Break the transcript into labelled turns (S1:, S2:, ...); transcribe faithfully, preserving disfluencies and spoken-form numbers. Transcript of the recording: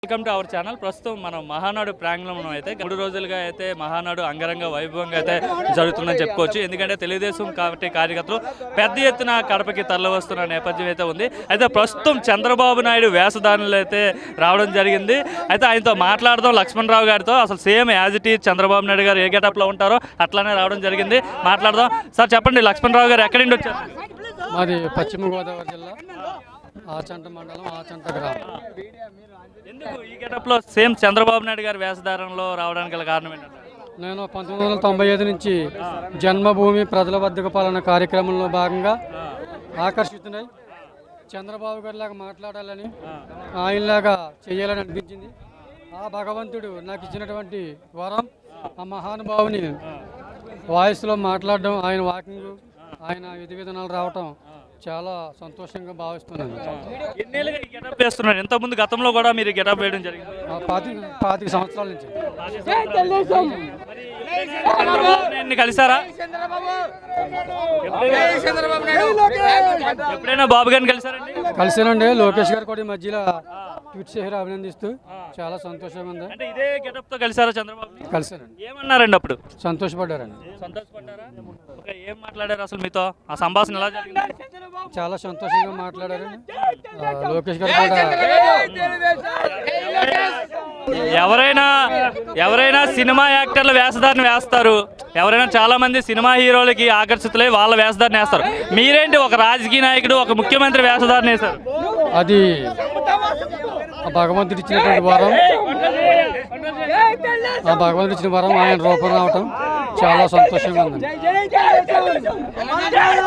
S1: Welcome to our channel. ప్రస్తుతం మనం మహానాడు ప్రాంగణంలో అయితే మూడు రోజులుగా అయితే మహానాడు అంగరంగ వైభవంగా అయితే జరుగుతుందని చెప్పుకోవచ్చు. ఎందుకంటే తెలుగుదేశం కాబట్టి కార్యకర్తలు పెద్ద ఎత్తున కడపకి తరలివస్తున్న నేపథ్యం అయితే ఉంది. అయితే ప్రస్తుతం చంద్రబాబు నాయుడు వేషధారణలు అయితే రావడం జరిగింది. అయితే ఆయనతో మాట్లాడదాం లక్ష్మణరావు గారితో. అసలు same as it is Chandrababu Naidu గారు ఏ గెటప్లో ఉంటారో అట్లానే రావడం జరిగింది. మాట్లాడదాం. సార్ చెప్పండి, లక్ష్మణరావు గారు ఎక్కడి నుండి వచ్చారు?
S2: మాది పశ్చిమ గోదావరి జిల్లా ఆచంట మండలం ఆచంట గ్రామం.
S1: ఎందుకు ఈ గెటప్లో సేమ్ చంద్రబాబు నాయుడు గారి వేషధారణలో రావడానికి గల కారణం ఏంటంటే,
S2: నేను పంతొమ్మిది వందల తొంభై ఐదు నుంచి జన్మభూమి ప్రజల బద్దక పాలన కార్యక్రమంలో భాగంగా ఆకర్షితున్నాయి. చంద్రబాబు గారిలాగా మాట్లాడాలని, ఆయనలాగా చేయాలని అనిపించింది. ఆ భగవంతుడు నాకు ఇచ్చినటువంటి వరం, ఆ మహానుభావుని వాయిస్లో మాట్లాడడం, ఆయన వాకింగ్, ఆయన విధి విధానాలు రావటం చాలా సంతోషంగా భావిస్తున్నాను.
S1: ఎన్నేళ్ళుగా ఈ గెటప్ వేస్తున్నారు? ఇంతకుముందు గతంలో కూడా మీరు గెటప్ వేయడం జరిగింది.
S2: పాతి పాతిక సంవత్సరాల నుంచి.
S1: చంద్రబాబు కలిసారా? ఎప్పుడైనా బాబు గారిని కలిసారండి?
S2: కలిసానండి. లోకేష్ గారు కూడా ఈ మధ్యలో ట్వీట్ చేసి అభినందిస్తూ చాలా సంతోషంగా ఉంది.
S1: అంటే ఇదే గెటప్ తో కలిసారా చంద్రబాబు?
S2: కలిసానండి.
S1: ఏమన్నారండి అప్పుడు?
S2: సంతోషపడ్డారండి.
S1: సంతోషపడ్డారా? ఏం మాట్లాడారు అసలు మీతో? ఆ సంభాషణ ఎలా జరిగింది?
S2: చాలా సంతోషంగా మాట్లాడారు. లోకేష్ గారు కూడా
S1: ఎవరైనా ఎవరైనా సినిమా యాక్టర్ల వేషధారణ వేస్తారు, ఎవరైనా చాలా మంది సినిమా హీరోలకి ఆకర్షితులై వాళ్ళ వేషధారణ వేస్తారు. మీరేంటి ఒక రాజకీయ నాయకుడు, ఒక ముఖ్యమంత్రి వేషధారణ వేశారు?
S2: అది భగవంతుడు ఇచ్చినటువంటి వరం. ఆ భగవంతుడు ఇచ్చిన వరం ఆయన రూపం రావటం చాలా సంతోషంగా ఉంది.